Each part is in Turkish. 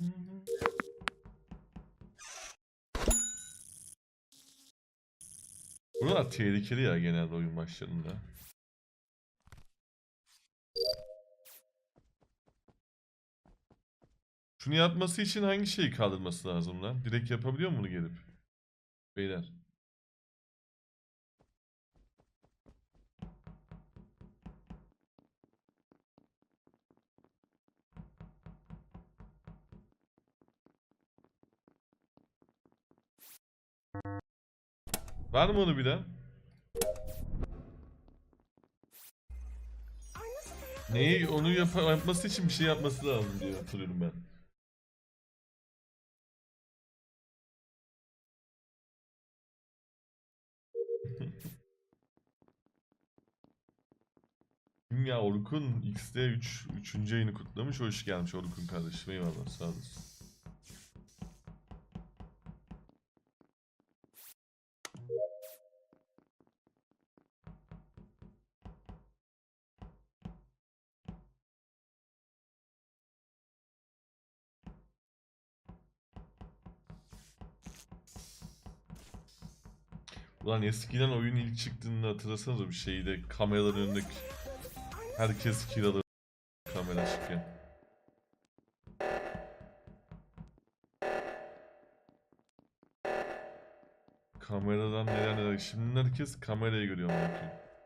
Buralar tehlikeli ya genelde oyun başlarında. Şunu yapması için hangi şeyi kaldırması lazım lan? Direkt yapabiliyor mu bunu gelip? Beyler. Var mı onu bilen? Neyi onu yapması için bir şey yapması lazım diye hatırlıyorum ben. Kim ya Orkun X'de 3. ayını kutlamış. Hoş gelmiş Orkun kardeşim. Eyvallah sağ olasın. Ulan eskiden oyun ilk çıktığında hatırlasanıza bir şeyde kameraların önündeki herkes kiralı kamera çıkken. Kameradan neler neler. Şimdi herkes kamerayı görüyor bakayım.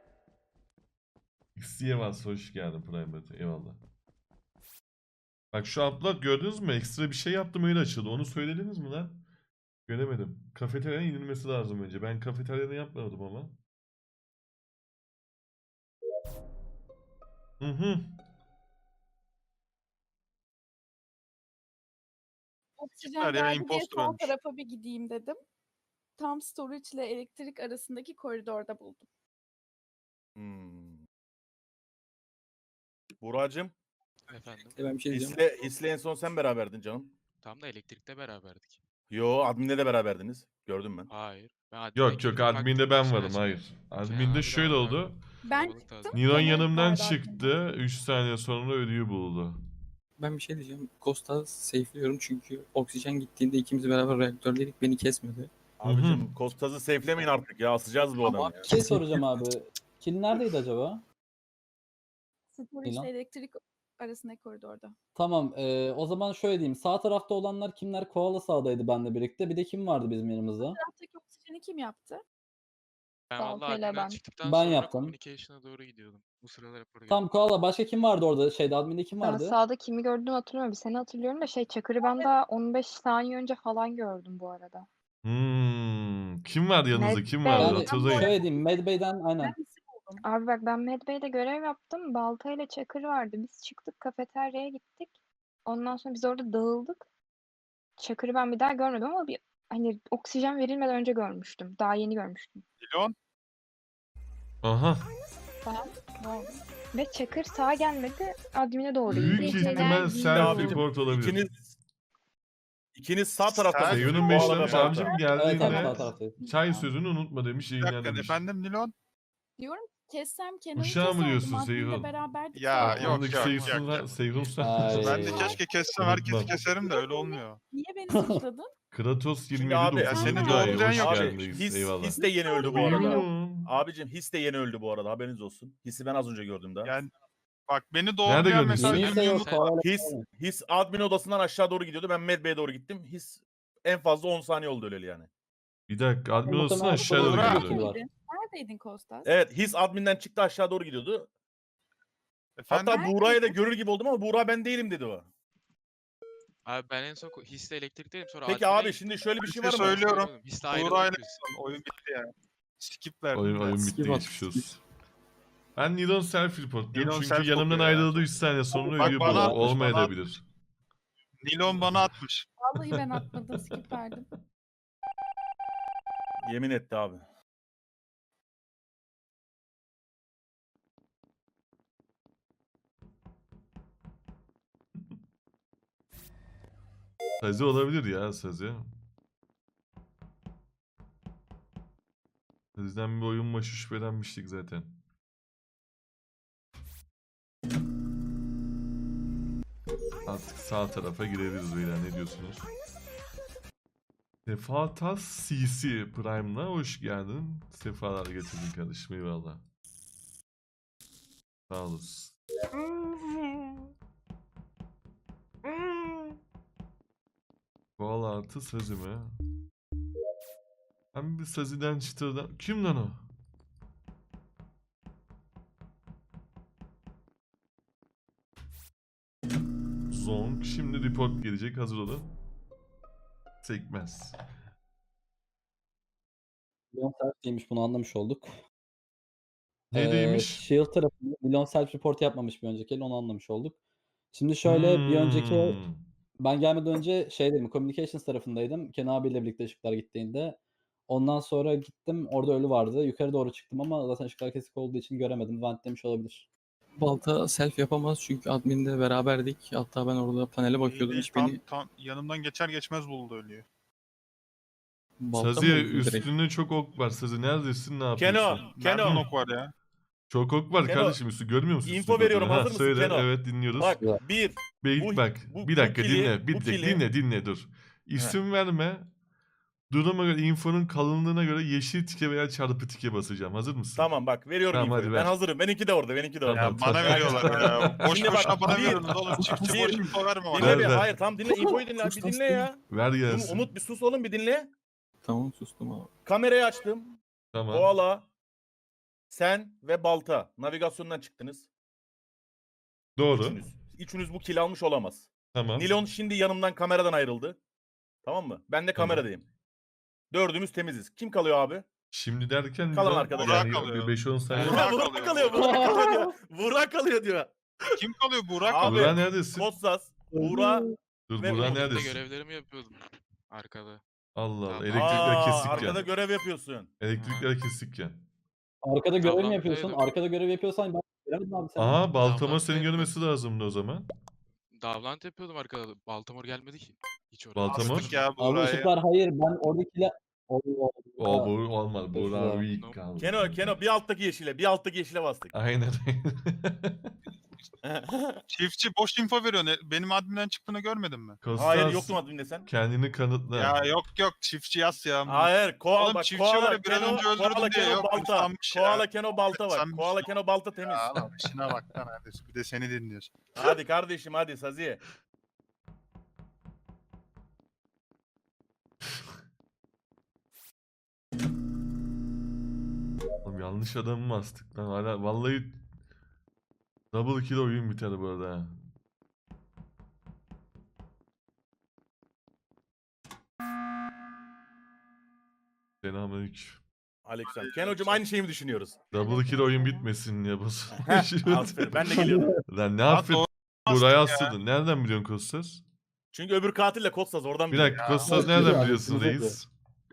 X'ye varsa hoş geldin Prime'de. Eyvallah. Bak şu upload gördünüz mü? Ekstra bir şey yaptım öyle açıldı. Onu söylediniz mi lan? Göremedim. Kafeteryanın inilmesi lazım önce. Ben kafeteryada yapmadım ama. Hı hı. Oksijen geldi diye sol tarafa bir gideyim dedim. Tam storage ile elektrik arasındaki koridorda buldum. Buracığım, Efendim. Ben bir şey diyeceğim. His'le en son sen beraberdin canım. Tam da elektrikte beraberdik. Yo, adminle de beraberdiniz. Gördüm ben. Hayır. Ben admine Yok yok girdim, adminde baktım ben dışarı varım çıktım. hayır. Kenan Adminde abi de şöyle vardı oldu. abi. Ben Kalabalık çıktım. tarzı. Niron Kenan yanımdan vardı adminde. çıktı. 3 saniye sonra ölüyü buldu. Ben bir şey diyeceğim. Costa safe'liyorum çünkü oksijen gittiğinde ikimiz beraber reaktördeydik, beni kesmedi. Abicim Kostaz'ı safe'lemeyin artık ya. Asacağız bu adamı ya. Bir şey soracağım abi. Kill neredeydi acaba? Storage İlan. ile elektrik arasındaki koridorda. Tamam. O zaman şöyle diyeyim. Sağ tarafta olanlar kimler? Koala sağdaydı benle birlikte. Bir de kim vardı bizim yanımızda? Taraftaki oksijeni kim yaptı? Ben Baltayla vallahi adminden ben. çıktıktan Ben sonra yaptım. communication'a doğru gidiyordum. Bu sırada raporu geldi. Tam Koala. Başka kim vardı orada? Şeyde adminde kim Ben vardı? sağda kimi gördüğümü hatırlamıyorum. Bir seni hatırlıyorum da Çakır'ı ben daha 15 saniye önce falan gördüm bu arada. Kim vardı yanınızda? Kim vardı? Yani Hatırlayın. Şöyle diyeyim. Medbay'den aynen. Ben isim buldum. Abi bak ben Medbay'de görev yaptım. Balta ile Çakır vardı. Biz çıktık kafeteryaya gittik. Ondan sonra biz orada dağıldık. Çakır'ı ben bir daha görmedim ama bir hani oksijen verilmeden önce görmüştüm. Daha yeni görmüştüm. Milyon. Aha. Ve Çakır sağa gelmedi. Admin'e doğru Büyük gitti. ihtimal self Abicim, report olabilir. İkiniz sağ taraftasınız. Seyun'un Bu 5 arada tane sağ abicim taraf. Evet evet sağ geldiğinde taraftaydı. çay sözünü unutma demiş Bir dakika yayınlar demiş. efendim Milyon. Diyorum kessem Kenan'ı Uşağı mı keserdim. diyorsun Admin'le Seyhun? beraberdik. Ya, zaten. yok, Aklındaki yok. Seyhun Ay. Ben de keşke kessem herkesi Unutma. keserim de öyle olmuyor. Niye beni suçladın? Kratos Şimdi 27 abi, dokuz. senin Ay, doğrudan hoş yok. geldiniz. Eyvallah. His de yeni öldü bu arada. Seyhun. Abicim His de yeni öldü bu arada. Haberiniz olsun. His'i ben az önce gördüm daha. Yani bak beni Nerede doğrulayan gördün mesela sen? Yeniyse Ümit- yok. Koala. His admin odasından aşağı doğru gidiyordu. Ben Medbay'e doğru gittim. His en fazla 10 saniye oldu öleli yani. Bir dakika admin odasına Muhtemelen aşağı doğru Koala gidiyordu. var. Neredeydin Kostas? Evet His adminden çıktı aşağı doğru gidiyordu. Efendim Hatta Buğra'ya da görür gibi oldum ama Buğra ben değilim dedi o. Abi ben en son hisle elektrikteydim sonra Peki admine abi gittim. şimdi şöyle bir Bir şey şey var mı? söylüyorum. Hisle ayrıldık Buğra'yla biz. oyun bitti yani. Skip verdim. Oyun bitti Skip geçmiş attı. olsun. Ben Nilon self report diyorum Nilon çünkü self yanımdan kopuyor ya. ayrıldı 3 saniye sonra Bak ölüyü bana buldu. atmış, bana Olmayabilir. Nilon bana atmış. Vallahi ben atmadım. Skip verdim. Yemin etti abi. Sazi olabilir ya Sazi. Sazi'den bir oyun başı şüphelenmiştik zaten. Ay Artık sağ tarafa girebiliriz beyler, ne diyorsunuz? Sefatas CC Prime'la hoş geldin. Sefalar getirdin kardeşim, eyvallah. Sağ olasın. Koala artı Sazi mi? Ben bir Sazi'den çıtırdan... Kim lan o? Zonk. Şimdi report gelecek, hazır olun. Sekmez. Milyon self değilmiş, bunu anlamış olduk. Ne değilmiş? Shield tarafında milyon self report yapmamış bir önceki el, onu anlamış olduk. Şimdi şöyle, bir önceki ben gelmeden önce şeydeydim, communications tarafındaydım. Ken abiyle birlikte ışıklar gittiğinde. Ondan sonra gittim, orada ölü vardı. Yukarı doğru çıktım ama zaten ışıklar kesik olduğu için göremedim. Vent demiş olabilir. Balta self yapamaz çünkü adminde beraberdik. Hatta ben orada panele bakıyordum. Değil, Hiç beni tam yanımdan geçer geçmez buldu ölüyü. balta mı Sazi'ye vurdu direkt? üstünde çok ok var. Sazi neredesin, ne yapıyorsun? Keno. Nereden ok var ya? Çok ok var Keno, kardeşim, üstü görmüyor musun? info üstündeki veriyorum, okları? hazır mısın Söyle, Keno? evet dinliyoruz. Bak bir. bu- Bak bu- bir bu dakika kili- dinle. Bir bu dakika kili- dinle dur. İsim verme. Duruma göre, infonun kalınlığına göre yeşil tike veya çarpı tike basacağım. Hazır mısın? Tamam bak, veriyorum Tamam, infoyu. hadi Ben ver. hazırım. Benimki de orada. Tamam. Ya bana veriyorlar ya. Boş Şimdi bak, boşuna bana bir- veriyorsunuz oğlum. Çiftçi bir- boş info verme bana. Dinle bir. ver. Hayır tam dinle. İnfoyu dinle. Bir dinle ya. Ver gelsin. Umut bir sus oğlum, bir dinle. Tamam sustum abi. Kamerayı açtım. Tamam. Koala, sen ve Balta navigasyondan çıktınız. Doğru. Üçünüz bu kill almış olamaz. Tamam. Nilon şimdi yanımdan kameradan ayrıldı. Tamam mı? Ben de Tamam. kameradayım. Dördümüz temiziz. Kim kalıyor abi? Şimdi derken Kalan bir- arkadaş. yani Burak kalıyor. 5-10 saniye. Burak Burak kalıyor. kalıyor. Burak kalıyor diyor. Burak kalıyor diyor. Kim kalıyor? Burak Abi, kalıyor. Burak neredesin? Kotsas, Buğra. Dur ve Burak Umut da Ben de neredesin? görevlerimi yapıyordum. Arkada. Allah Allah. Aa, Elektrikler kesikken. Arkada görev yapıyorsun. Elektrikler kesikken. Arkada görev mi yapıyorsun? Davlant'taydım. Arkada görev yapıyorsan ben göremedim abi seni. Aha, Baltama Davlant senin benim. görmesi lazımdı o zaman. Davlant yapıyordum arkada. Baltimore gelmedi ki. Hiç oraya. Baltimore? Astık ya Abi Burak'ı. ışıklar hayır, ben oradakiler... O bu olmaz. Burak Güzel. weak kaldı. Keno bir alttaki yeşile bastık. Aynen. Çiftçi boş info veriyor. Benim adminden çıktığını görmedin mi? Kostas, Hayır, yoktum adminde sen. kendini kanıtla. Ya yok çiftçi yaz ya. Hayır, koala Oğlum bak, çiftçi koala, var ya, biraz Keno, önce öldürdün koala, diye Keno, yok, balta. sanmış ya. Koala, Keno, balta var. Sen Koala, misin? Keno, balta temiz. Ya lan işine bak lan neredesin? Bir de seni dinliyorsun. Hadi kardeşim, hadi Sazi. Oğlum yanlış adamı mı astık lan? Hala vallahi double kill oyun biter bu arada. ha. Selamünaleyküm. Aleykümselam. Keno'cum aynı şeyi mi düşünüyoruz? Double kill oyun bitmesin diye basıyorum. Aferin, ben de geliyorum. Lan ne Lan affet? doğru Buraya astık ya. astırdın. Nereden biliyorsun Kostas? Çünkü öbür katille Kotsas oradan Bir biliyor. dakika Ya, Kostas o nereden güzel, biliyorsun güzel. reis?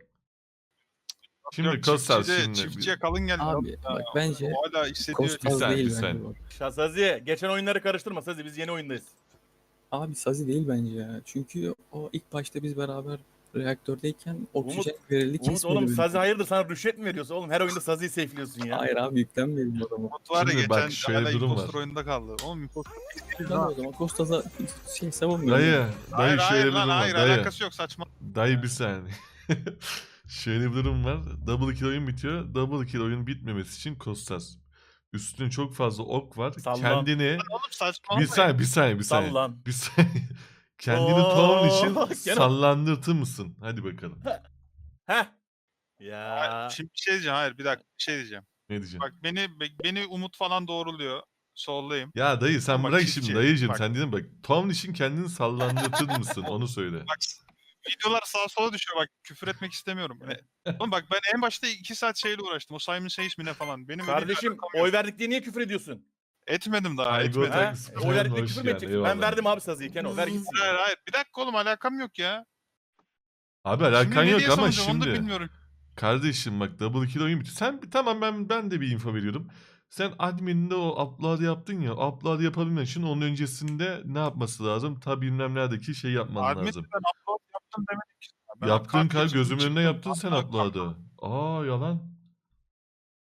Şimdi Yok, Kostas çiftçi de- şimdi. Çiftçiye kalın geldi. Abi bak bence O hala hissediyor. Kostas saniye, değil bir bence saniye. bu. Sazi, geçen oyunları karıştırma Sazi, biz yeni oyundayız. Abi Sazi değil bence ya. Çünkü o ilk başta biz beraber reaktördeyken oksijen verildi Umut kesmedi oğlum, beni. Sazi hayırdır, sana rüşvet mi veriyorsun oğlum? Her oyunda Sazi'yi safe'liyorsun ya. Hayır abi yüklenmedim o zaman. Umut var ya Şimdi bak, geçen şöyle hala durum imposter var. oyunda kaldı. Oğlum imposter. Ben o zaman Kostas'a savunmuyorum. Dayı, Hayır şöyle hayır bir lan durum var. hayır Dayı, alakası yok saçma. dayı bir saniye. Şöyle bir durum var. Double kill oyun bitiyor. Double kill oyun bitmemesi için Kostas. Üstüne çok fazla ok var. Sallan. Kendini Oğlum saçma. bir saniye. Bir Sallan. saniye. Kendini Oo, Town için gene- sallandırtır mısın? Hadi bakalım. Heh. Ya. Şimdi bir şey diyeceğim. Hayır bir dakika bir şey diyeceğim. Ne diyeceğim? Bak beni Umut falan doğruluyor. Soldayım. Ya dayı sen Ama bırak çiftçi, şimdi dayıcım, bak. sen dedin bak. Town için kendini sallandırtır mısın? Onu söyle. Bak videolar sağa sola düşüyor bak küfür etmek istemiyorum. Oğlum bak ben en başta 2 saat şeyle uğraştım. O Simon Says mi ne falan. Benim öyle bir Kardeşim, alakam yok. oy verdik diye niye küfür ediyorsun? Etmedim daha Aygo etmedim. Ha? tak- Oy verdik diye hoş küfür mü geldin, edeceksin? Ben eyvallah. verdim abi Sazi'yi, Keno ver gitsin. Hayır bir dakika oğlum alakam yok ya. Abi Şimdi alakan ne yok diye ama savunacağım onu da şimdi. bilmiyorum. Kardeşim bak double kill oyun bitiyor. Sen tamam, ben de bir info veriyorum. Sen admin'de o upload yaptın ya. Upload yapabilmen için onun öncesinde ne yapması lazım? Ta bilmem neredeki şey yapman Admin lazım. ben upload yaptım demedim ki. Ben Yaptın kalk yazdım, gözümün önünde çıktım, yaptın sen upload upload'ı. Aa yalan.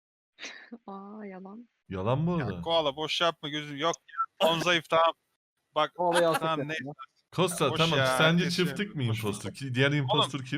Aa yalan. Yalan bu Ya arada. koala boş yapma gözüm yok. On zayıf tamam. Bak O olayı alsak tamam yeter ne? ya. Costa Boş tamam. ya, Sence herkes çiftlik mi boş ver. impostor? Diğer impostor kim?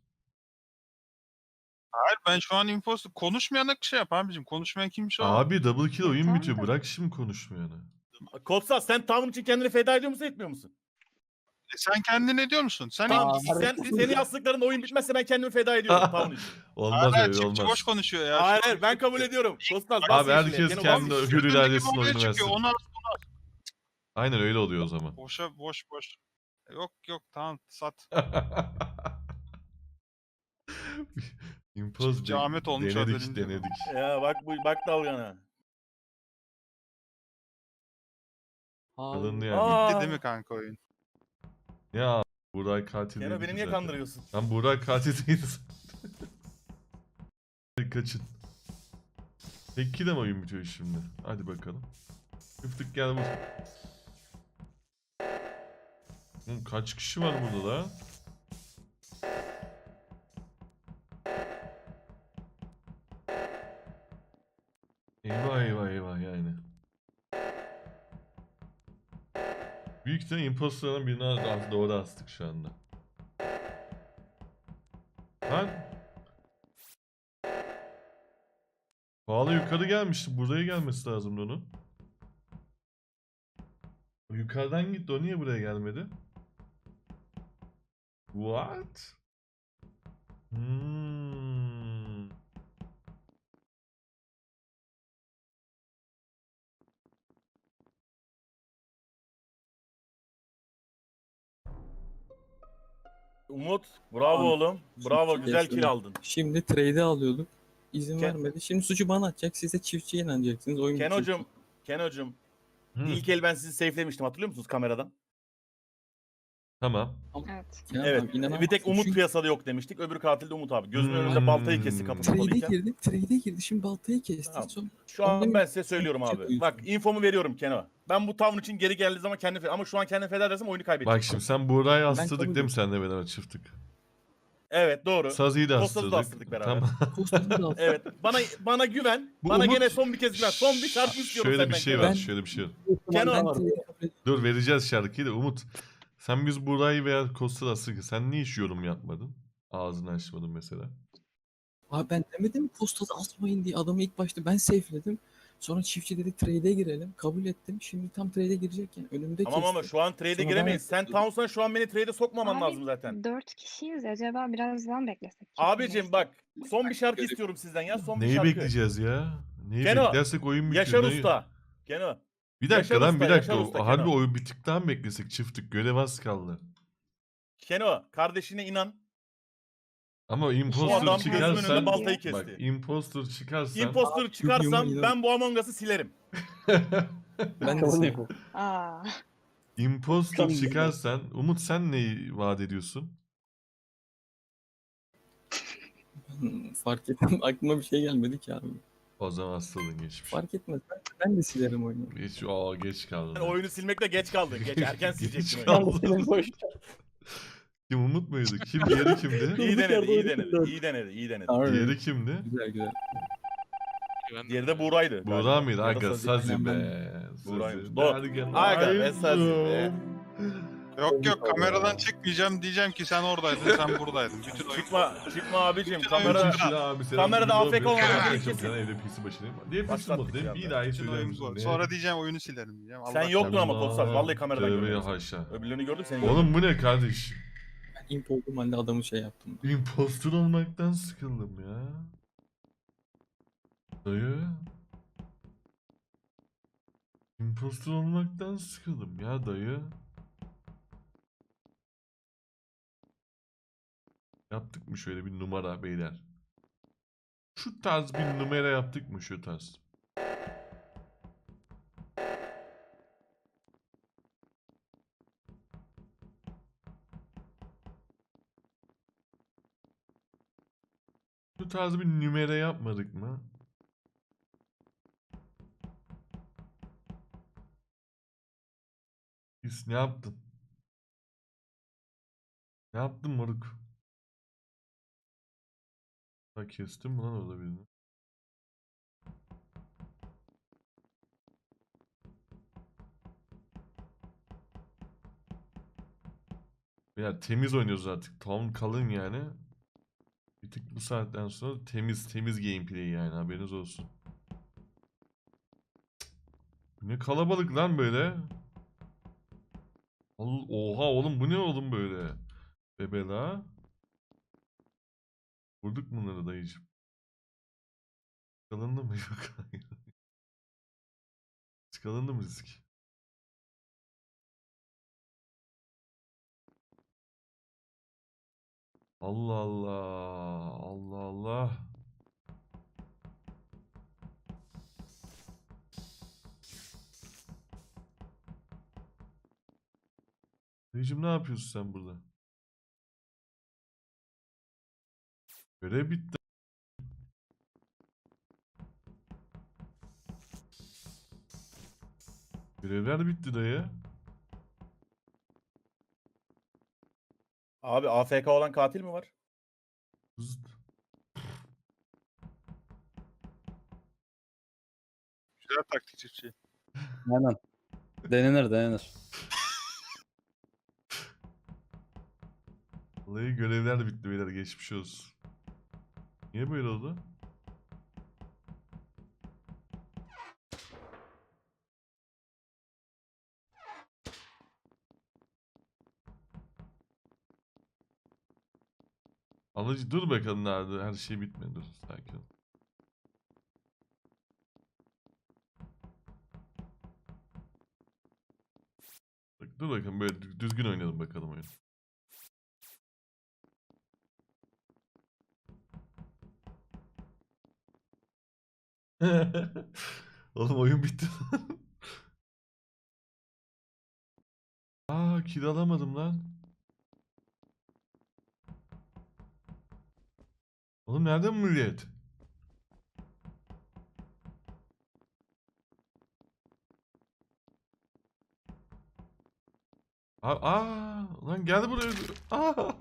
Hayır ben şu an imposter konuşmayana şey yap abicim. Konuşmayan kimse o. Abi double kill oyun Tamam bitiyor. da- Bırak şimdi konuşmayanı. Kodsa sen Town için kendini feda ediyor musun etmiyor musun? Sen kendin ne diyor musun? Sen Tamam imposter. senin yazdıklarında oyun bitmezse ben kendimi feda ediyorum Town için. Olmaz Hala öyle çiftçi olmaz. boş konuşuyor ya. Hayır Şu an hayır ben kabul ediyorum. Kostas Abi herkes kendi hür iradesinin oyunu çıkıyor. versin. Ona Aynen öyle oluyor o zaman. boş. Yok tamam sat. Impoz Çiftçi Ahmet olmuş denedik az önce. denedik. Ya bak dalgana. Alındı Abi, yani. Aa. Bitti değil mi kanka oyun? Ya Burak katil Keno değildi beni ki niye zaten. kandırıyorsun? Lan Burak katil değildi zaten. Kaçın. Peki de mi oyun bitiyor şimdi? Hadi bakalım. Çiftlik gel vur. Oğlum kaç kişi var burada da? Eyvah yani. Büyük ihtimalle imposterların birine doğru astık şu anda. Lan. Pahalı yukarı gelmişti. Buraya gelmesi lazımdı onun. O yukarıdan gitti. O niye buraya gelmedi? What? Hmm. Umut bravo oğlum. Bravo Çiftçi güzel kestim. kill aldın. Şimdi trade'i alıyorduk. İzin Ken- vermedi. Şimdi suçu bana atacak. Siz de çiftçiye inanacaksınız. Oyun bitecek. Kenocum Hmm. ilk el ben sizi safelemiştim hatırlıyor musunuz kameradan? Tamam. Evet. Kenan Evet. abi, inanamazsın. Bir tek Umut Çünkü piyasada yok demiştik. Öbür katil de Umut abi. Gözümün önünde Hmm. baltayı kesti kapı trade'e kapalıyken. girdi. Trade'e girdi. Şimdi baltayı kesti. Tamam. Son... Şu an Ondan- ben size söylüyorum Çok abi. uyusun. Bak infomu veriyorum Keno. Ben bu tavrın için geri geldiği zaman kendimi ama şu an kendimi feda edersem oyunu kaybedeceğim. Bak şimdi sen Buğra'yı kabul astırdık değil mi ediyorum. senle beraber çiftlik? Evet doğru. Sazi'yi de Kostas'ı da astırdık. astırdık beraber. Tamam. Kostas'ı da aldı. Evet. Bana güven. Bu Bana Umut- gene son bir kez güven. Son bir şarkı istiyorum Şöyle senden bir şey Keno. var. Şöyle bir şey var. Kenan- Ben trade'i kabul ediyorum. Dur vereceğiz şarkıyı da Umut. Sen biz Buğra'yı veya Kosta'da astırdık. Sen niye hiç yorum yapmadın? Ağzını açmadın mesela. Abi ben demedim mi Kostas'ı asmayın diye. Adamı ilk başta ben safeledim. Sonra çiftçi dedi trade'e girelim. Kabul ettim. Şimdi tam trade'e girecekken önümde Tamam ama kesti. şu an trade'e Sonra giremeyiz. ben- Sen Townsend'a şu an beni trade'e sokmaman Abi, lazım zaten. 4 kişiyiz. Acaba birazdan beklesek. Abicim bak son bir şarkı istiyorum sizden ya. Son bir Neyi şarkı. bekleyeceğiz ya? Neyi Keno, beklersek oyun bitiyor. Yaşar Neyi- Usta. Keno. Bir dakika Yaşar lan Usta, bir dakika. Yaşar Usta, Harbi Keno. oyun bittikten mi beklesek çiftlik? Görev az kaldı. Keno kardeşine inan. Ama Bu imposter adam gözümün çıkarsan önünde baltayı bak kesti. imposter çıkarsan Imposter çıkarsam Yuma, ben bu Among Us'ı silerim. Ben de Kabul sevdim. ediyorum. Aa. imposter Kabul çıkarsan Umut sen neyi vaat ediyorsun? Fark ettim. Aklıma bir şey gelmedi ki abi. O zaman hastalığın geçmiş. Fark etmez. Ben de silerim oyunu. Geç kaldın. Yani oyunu silmekte geç kaldın. Geç erken silecektin Geç oyunu. kaldın. Kim Umut muydu? Kim diğeri kimdi? İyi denedi, iyi Durduk yerde denedi, oyunu iyi denedi, iyi denedi. Harbi. Diğeri kimdi? Güzel güzel. Ben Diğeri de Buğra'ydı. Buğra galiba. mıydı? Ya da Aga Sazi. Sazi Aynen be. Buğra'ymış. Sazi. Doğru. Dergen Aga be, aydım. Sazi be. Yok kameradan çıkmayacağım diyeceğim ki sen oradaydın sen buradaydın. Bütün oyun. Çıkma abicim. Bütün Kamera oyuncu- Şimdi abi selam. kamerada Video AFK yapıyoruz. olmadan Ben bir çok kesin. sana evde PC başındayım. Diye PC Başlattık model. ya Bir be. daha Bütün söyler oyuncu misin? var. Sonra diyeceğim oyunu silerim diyeceğim. Sen Allah yoktun ama Allah, Kotsal. Vallahi kameradan tövbe görmedim. haşa. Öbürlerini gördüm seni gördüm. Oğlum bu ne kardeş? Ben imp olduğum halde adamı şey yaptım. Impostor olmaktan sıkıldım ya. Dayı. Impostor olmaktan sıkıldım ya dayı. Yaptık mı şöyle bir numara beyler? Şu tarz bir numara yaptık mı şu tarz? Şu tarz bir numara yapmadık mı? Biz ne yaptın? Ne yaptın moruk? Ha kestim mi lan orada birini? Ya temiz oynuyoruz artık. Tam kalın yani. Bir tık bu saatten sonra temiz gameplay yani, haberiniz olsun. Ne kalabalık lan böyle. Oha oğlum, bu ne oğlum böyle? Bebela. Vurduk bunları dayıcım. Çıkalındı mı? Yok hayır. Çıkalındı mı risk? Allah Allah. Allah Allah. Dayıcım ne yapıyorsun sen burada? Görev bitti. Görevler bitti dayı. Abi AFK olan katil mi var? Zıt. Güzel taktik çiftçi. Aynen. Denenir. Vallahi görevler de bitti beyler, geçmiş olsun. Niye böyle oldu? Alıcı dur bakalım, nerede her şey bitmedi, dur sakin ol. Bak, dur bakalım, böyle düzgün oynayalım bakalım oyunu. Oğlum oyun bitti. Aa, kill alamadım lan. Oğlum nerede bu millet? Lan geldi buraya. Aa.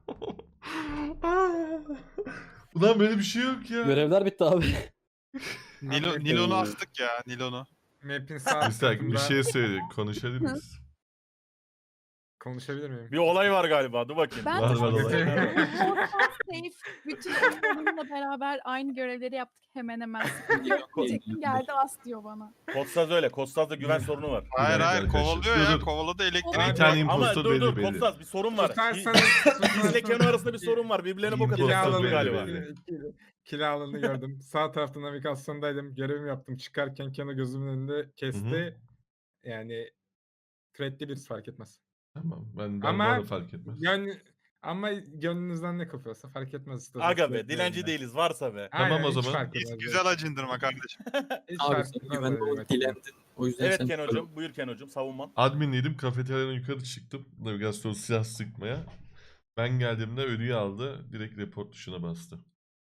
Aa. Ulan böyle bir şey yok ya. Görevler bitti abi. Nilon'u astık ya, Nilon'u. Map'in sağ Bir dakika, bir tarafında şey söyle. Konuşabilir miyiz? konuşabilir miyim? Bir olay var galiba. Dur bakayım. Ben Var, de var, çok var. seviyorum. Podcast safe. Bütün oyunlarımla beraber aynı görevleri yaptık hemen hemen. Diyecektim, geldi as diyor bana. Kostas öyle. Kostas'ta güven sorunu var. Hayır dakika hayır, arkadaşlar. kovalıyor Dur, ya, dur. kovaladı elektrik. Bir tane Ama impostor dur belli. Kostas bir sorun var. Susarsanız Bizle Keno arasında bir sorun var. Birbirlerine bok İmpostor atıyorlar belli, galiba. belli. Kiralarını gördüm. Sağ tarafta navigasyondaydım. Görevimi yaptım. Çıkarken Keno gözümün önünde kesti. Yani threatli birisi fark etmez. Tamam, ben Ama bana fark etmez. Yani ama gönlünüzden ne kopuyorsa fark etmez. İşte Aga be threatli dilenci yerinden. değiliz varsa be. Tamam Aynen, o hiç zaman. fark etmez. Güzel acındırma kardeşim. Hiç Abi fark sen etmez güvenli öyle ol, demek. dilendin. O yüzden Evet sen Keno'cum. Buyur Keno'cum savunman. Adminliydim, kafeteryadan yukarı çıktım. Navigasyon silah sıkmaya. Ben geldiğimde ölüyü aldı. Direkt report tuşuna bastı.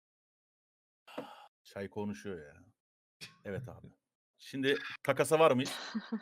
Çay konuşuyor ya. Evet abi. Şimdi takasa var mıyız?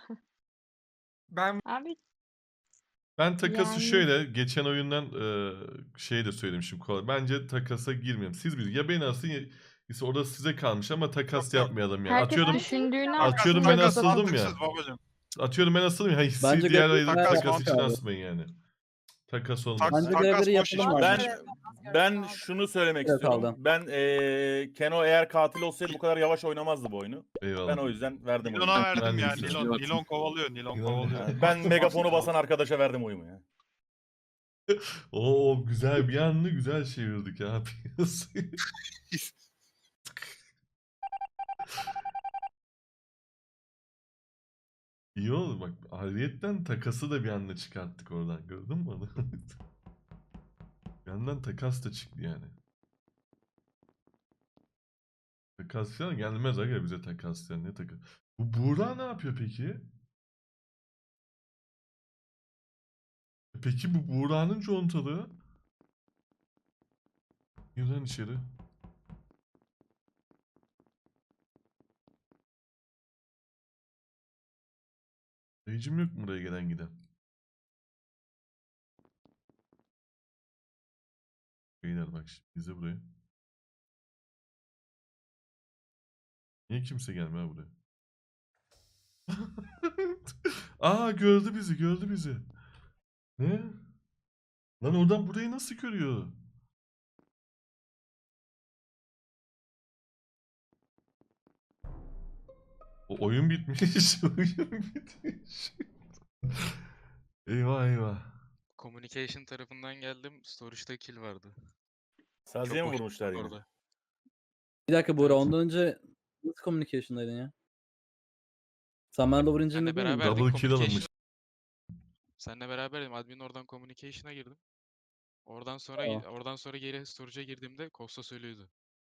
Ben Abi Ben takası Yani- şöyle, geçen oyundan şey de söylemişim kolay. Bence takasa girmeyelim. Siz bir ya beni asın ya ise orada size kalmış ama takas Yok. yapmayalım yani. herkes Atıyorum düşündüğünü Atıyorum aslında ben Takas asıldım ya. mantıksız babacım. Atıyorum ben asıldım ya. Hissi Bence diğer görevleri ayın takas takas için abi. asmayın yani. Takas olmaz. Bence Takas görevleri boş iş. yapalım Ben abi. ben şunu söylemek Evet, istiyorum. aldım. Ben Keno eğer katil olsaydı bu kadar yavaş oynamazdı bu oyunu. Eyvallah. Ben o yüzden verdim oyunu. Nilon'a Ben verdim de ya. istiyorum. Nilon kovalıyor. Nilon Nilon- kovalıyor. Ben megafonu basan arkadaşa verdim oyumu ya. Oo, güzel bir anda güzel çevirdik ya. İyi oldu bak. Ayrıyetten takası da bir anda çıkarttık oradan. Gördün mü onu? Bir yandan takas da çıktı yani. Takas falan gelmez aga bize takas yani, ne takas. Bu Buğra ne yapıyor peki? Peki bu Buğra'nın contalığı? Gir lan içeri. Dayıcım yok mu buraya gelen giden? Beyler bak şimdi bize buraya. Niye kimse gelmiyor buraya? Aa, gördü bizi. Ne? Lan oradan burayı nasıl görüyor? O oyun bitmiş. Oyun bitmiş. Eyvah eyvah. Communication tarafından geldim. Storage'da kill vardı. Saziye mi boş vurmuşlar yine? orada. Bir dakika Buğra, Evet. ondan önce nasıl communication'daydın ya? Sen bana da vurunca Senle ne değil miydin? beraberdik. Double kill Communication. alınmış. Seninle beraberdim. Admin oradan communication'a girdim. Oradan sonra Tamam. oradan sonra geri storage'a girdiğimde Costa söylüyordu.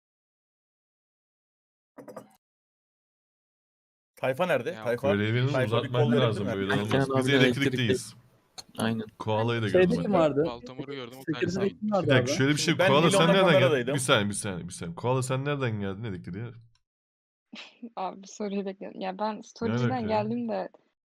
Tayfa nerede? Ya, Tayfa. Görevini Tayfa bir uzatman kol verebilir lazım mi? böyle Ben olmaz. Kenan Biz abiyle elektrikteyiz. Aynen. Koala'yı da Şeyde gördüm kim ben. vardı? Baltamore'u gördüm. O Security'de tanesi kim vardı Bir dakika abi? şöyle bir şey. Şimdi ben Koala sen Nilon'la nereden geldin? kameradaydım. Bir saniye. Koala sen nereden geldin elektriğe? Abi soruyu bekliyorum. Ya ben alaka storage'den ya? geldim de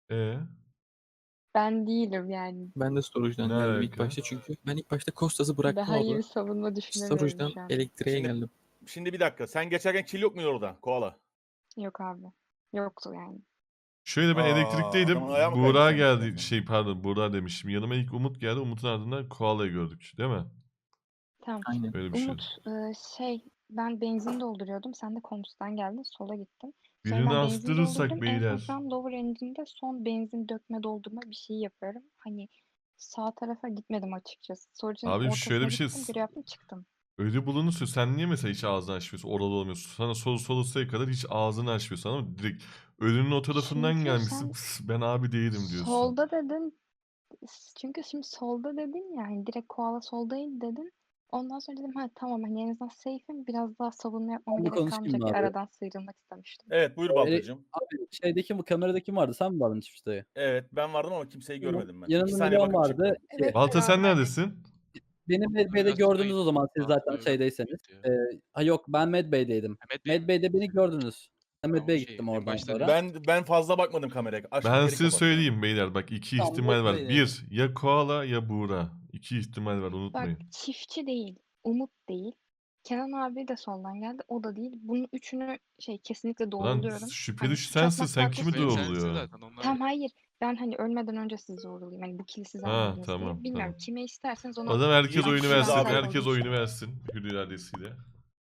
ben değilim yani. Ben de storage'dan Ne geldim ilk alaka? başta çünkü ben ilk başta Kostas'ı bıraktım Daha iyi orada. bir savunma düşünemiyorum Storage'dan şu an. elektriğe Şimdi- geldim. Şimdi bir dakika. Sen geçerken kill yok muydu orada? Koala. Yok abi. Yoktu yani. Şöyle ben Aa, elektrikteydim. adamın ayağı mı Buğra kaydı senin geldi. üstüne? Pardon Buğra demişim. Yanıma ilk Umut geldi. Umut'un ardından Koala'yı gördük. Değil mi? Tamam. Aynen. Öyle bir şey. Umut ben benzin dolduruyordum. Sen de komşudan geldin. Sola gittin. Sonra Birini ben benzin astırırsak doldurdum. En son beyler. şu an lower engine'de son benzin dökme doldurma bir şey yapıyorum. Hani sağ tarafa gitmedim açıkçası. Storage'ın Abi ortasına şöyle bir şey. gittim. Görev yaptım çıktım. Öyle bulunursa sen niye mesela hiç ağzını açmıyorsun? Oralı olmuyorsun. Sana solusaya kadar hiç ağzını açmıyorsun ama direkt ölünün o tarafından Çünkü gelmişsin. sen "Pıs, ben abi değilim diyorsun. solda dedin. Çünkü şimdi solda dedin ya hani direkt koala soldaydı dedin. Ondan sonra dedim ha tamam hani en azından safe'im biraz daha savunma yapmama Ben bir gerek konuşayım kalmayacak mı diye abi? aradan sıyrılmak istemiştim. Evet buyur Baltacığım. Abi şeydeki bu kamerada kim vardı? Sen mi vardın çiftliğe? Evet ben vardım ama kimseyi görmedim ben. 2 Yanında saniye Milyon bakıp vardı. çıktım. Evet. Balta sen beraberdik. neredesin? Beni Medbay'de Biraz sonra gördünüz o zaman siz zaten Balta'yı şeydeyseniz. gördüm. Yok ben Medbay'deydim. Mehmet Bey mi? Medbay'de beni gördünüz. Ben Tamam, Medbay'e şey, gittim en oradan başta sonra. Ben fazla bakmadım kameraya. Açtım Ben geri size kapattım. söyleyeyim beyler. Bak iki Tamam, ihtimal var. bekleyin. Bir ya Koala ya Buğra. İki ihtimal var Bak unutmayın. çiftçi değil, Umut değil. Kenan abi de soldan geldi. O da değil. Bunun üçünü kesinlikle Lan doğruluyorum. şüpheli Hani şu suç sensin. atmak Sen farklı, kimi suç Şüpheli atmak- sensin doğruluyor? zaten. Onlar Tamam hayır. Ben hani ölmeden önce sizi zorlayayım. Hani bu kili siz Ha, almadınız tamam, diye. Bilmiyorum tamam. kime isterseniz O ona zaman herkes Yedi oyunu kişiyiz versin. abi. Herkes oyunu versin. Hür iradesiyle.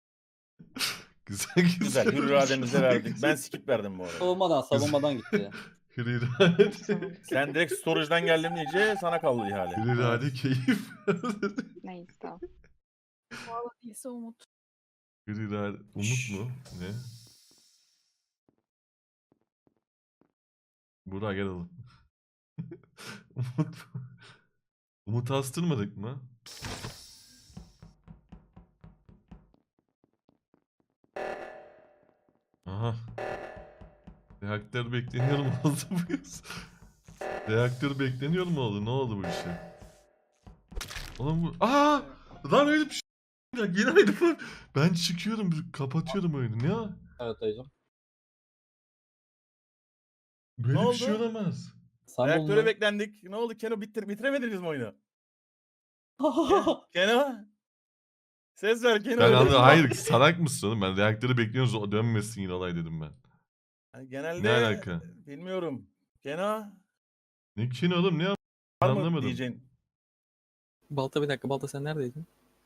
Güzel Güzel hür irademizle verdik. Ben skip verdim bu arada. Savunmadan gitti. Hür irade. Sen direkt storage'dan geldim diyece sana kaldı ihale. Hür irade keyif. neyse tamam. Koala değilse Umut. Hür irade. Umut mu? Ne? Burak gel oğlum. Umut. Umut astırmadık mı? Aha. Reaktör bekleniyor mu oldu bu iş? Reaktör bekleniyor mu oldu? Ne oldu bu işe? Oğlum bu... Aa! Lan öyle bir şey. Ya, yine aynı var. Ben çıkıyorum, kapatıyorum oyunu. Ne ya? Evet dayıcım. Böyle Ne bir şey oldu? olamaz. Reaktöre beklendik. Ne oldu Keno bitiremediniz mi oyunu? Keno? Ses ver Keno. Ben öyle anladım. mi? Hayır salak mısın oğlum? Ben reaktörü bekliyoruz o dönmesin yine olay dedim ben. Genelde Ne alaka? bilmiyorum. Keno Ne kin oğlum ne var mı anlamadım. diyeceksin? Balta bir dakika. Balta sen neredeydin?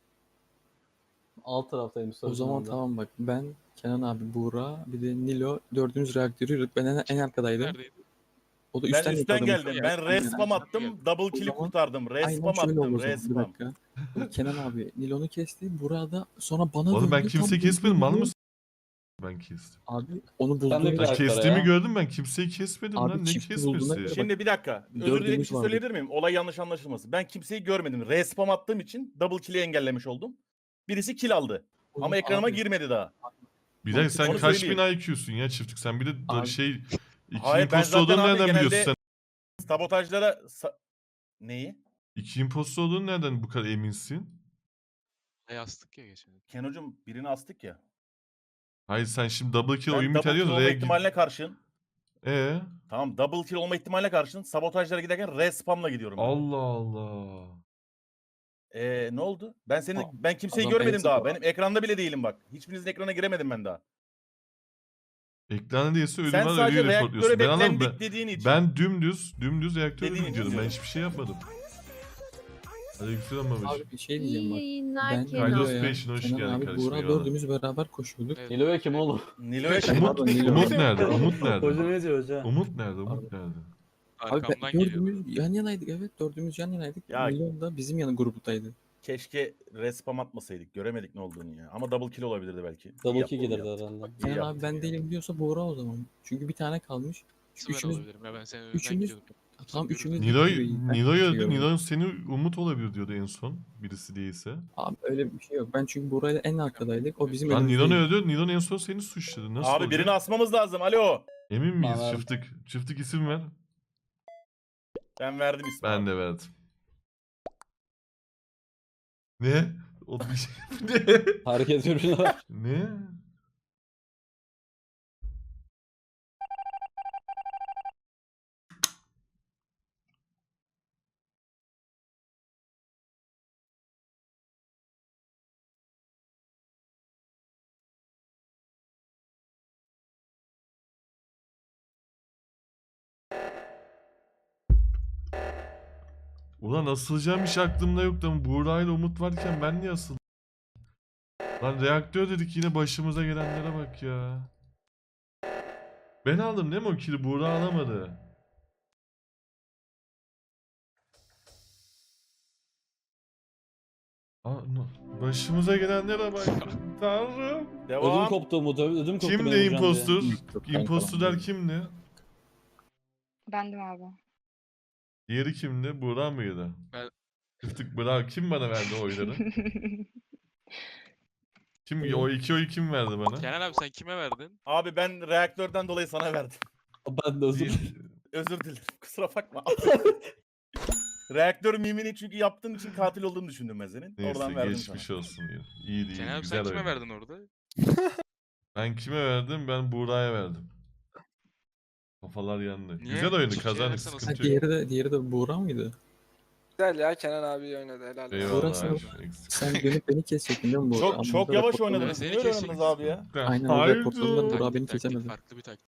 Alt taraftayım. O zaman tamam bak. Ben, Kenan abi, Buğra, bir de Nilo dördümüz reaktörü yürüdük. Ben en arkadaydım. Neredeydi? O da Ben üstten üstten yakaladı. geldim. Ben respam attım. Double kill'i zaman- kurtardım. Aynen Respam şöyle oldu attım. o zaman. Bir Respam. dakika. Kenan abi Nilo'nu kesti. Buğra da sonra bana Oğlum ben döndü, kimseyi tam kesmedim mal döndü. mısın? Ben kestim. Abi onu Sen de bulduğum bir Ben dakika kestiğimi ya. gördüm ben kimseyi kesmedim Abi lan ne çifti bulduğuna kesmesi? göre- Şimdi bir dakika. Özür Dördümüz dilerim bir şey vardı. söyleyebilir miyim? Olay yanlış anlaşılmasın. Ben kimseyi görmedim. Respam attığım için double kill'i engellemiş oldum. Birisi kill aldı. Ama ekranıma Abi, girmedi daha. Bir dakika sen Onu kaç söyleyeyim. bin IQ'sun ya çiftlik sen bir de Abi- iki Hayır, ben imposter zaten olduğunu abi nereden genelde- biliyorsun sen? Sabotajlara... Neyi? İki imposter olduğunu nereden bu kadar eminsin? Yastık ya geçen. Keno'cum birini astık ya. Hayır sen şimdi double kill Ben oyun double biter kill diyorsun. olma ihtimaline karşın. Tamam double kill olma ihtimaline karşın sabotajlara giderken respamla gidiyorum. ben. Allah Allah. Ne oldu? Ben kimseyi adam görmedim en daha. sabah- Benim ekranda bile değilim bak. Hiçbirinizin ekrana giremedim ben daha. Ekranda değilse ölü Sen var sadece ölüyü reportluyorsun. reaktöre Ben anlamadım. beklendik dediğin için. Ben dümdüz reaktöre Dediğin gidiyordum. için. Ben hiçbir şey yapmadım. Aleykümselam babiş. Abi bir şey diyeceğim bak. yayınlar Ben Kenan. Kaydos Nilo'ya, Passion, hoş Kenan geldin abi, kardeşim, Buğra eyvallah. dördümüz beraber koşuyorduk. Evet. Nilo'ya kim oğlum? Nilo'ya Umut- Umut, Nilo. Umut nerede? Umut nerede? Hoca ne diyor hoca? Umut nerede? Umut nerede? Abi Arkamdan geliyor. dördümüz yan yanaydık, evet dördümüz yan yanaydık. Ya- Nilo da bizim yanı grubundaydı. Keşke respam atmasaydık. Göremedik ne olduğunu ya. Ama double kill olabilirdi belki. Double İyi kill yaptın, iyi gelirdi yaptın. herhalde. Bak, iyi Kenan yaptın abi ben ya. değilim diyorsa Buğra o zaman. Çünkü bir tane kalmış. Nasıl ben Üçümüz, olabilirim ya ben senin önünden üçümüz- gidiyordum. tam görürüm. üçümüz Nilo, gibi. Ben Nilo şey öldü. görmedim. Nilo seni Umut olabilir diyordu en son. Birisi değilse. Abi öyle bir şey yok. Ben çünkü Buğra'yla en arkadaydık. O bizim Lan Nilo ne önümüzdeydi. öldü? Nilo en son seni suçladı. Nasıl Abi olacak? birini asmamız lazım. Alo. Emin miyiz? Ben Çiftlik. Çiftlik isim ver. Ben verdim ismi. Ben abi. de verdim. Ne? O bir şey. Ne? Hareket yürüyüşüne bak. Ne? Ulan asılacağım hiç aklımda yoktu ama Buğra ile Umut varken ben niye asıldım? Lan reaktör dedik yine başımıza gelenlere bak ya. Ben aldım değil mi o kili? Buğra alamadı. Başımıza gelenlere bak. Tanrım. Ödüm Devam. koptu Umut. Ödüm koptu Kimdi benim hocam diye. impostor? Yok, ben Impostorlar falan kimdi? Bendim abi. Diğeri kimdi? Buğra mıydı? Ben- Tık Buğra. Kim bana verdi oyları? Kim o iki oyu kim verdi bana? Kenan abi sen kime verdin? Abi ben reaktörden dolayı sana verdim. Ben de özür dilerim. Özür dilerim. Kusura bakma. Reaktör mimini çünkü yaptığın için katil olduğunu düşündüm ben senin. Neyse Oradan verdim geçmiş sana. olsun diyor. İyiydi Kenan iyi abi sen güzel kime oyun. verdin orada? Ben kime verdim? Ben Buğra'ya verdim. Kafalar yandı. Niye? Güzel oyundu Çiftçiye kazandık versene o Ha, sıkıntı yok. diğeri de Buğra mıydı? Güzel ya Kenan abi oynadı helal olsun. Eyvallah. Burası- abi, eksik. Sen dönüp beni kesecektin değil mi Buğra? Ama Çok burada yavaş raporlarında- oynadınız. Seni Niye öyle oynadınız kesecektim. abi ya? Aynen, Haydi. raporlarında Buğra beni Taktik, kesemedi. farklı bir taktik.